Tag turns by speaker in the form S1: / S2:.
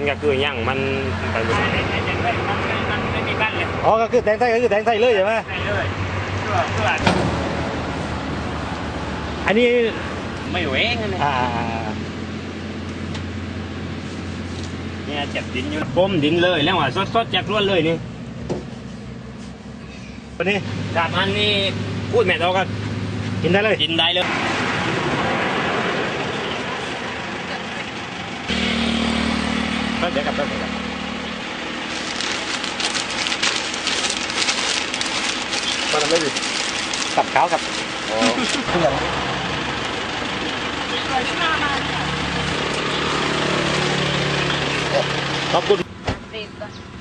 S1: ก็คือย่างมันไปหมดมันไม่มีบ้านเลย
S2: อ๋อก็คือแทงไส้ก็คือแทงไส้เลยใช่ไหม
S1: ใช่เลยเพื่อ
S2: อันนี้
S1: ไม่เหวงเลยเนี่ยจับดินอยู่ก้มดินเลยแล้วว่าสดๆจากล้วนเลยนี่
S2: วันนี้
S1: จากอันนี้พูดแม่เราก็
S2: กินได้เลย
S1: กินได้เลยก็เดี๋ยวกลับไป
S2: ก็ทำได้ดิกับข้าวกับขอบคุณ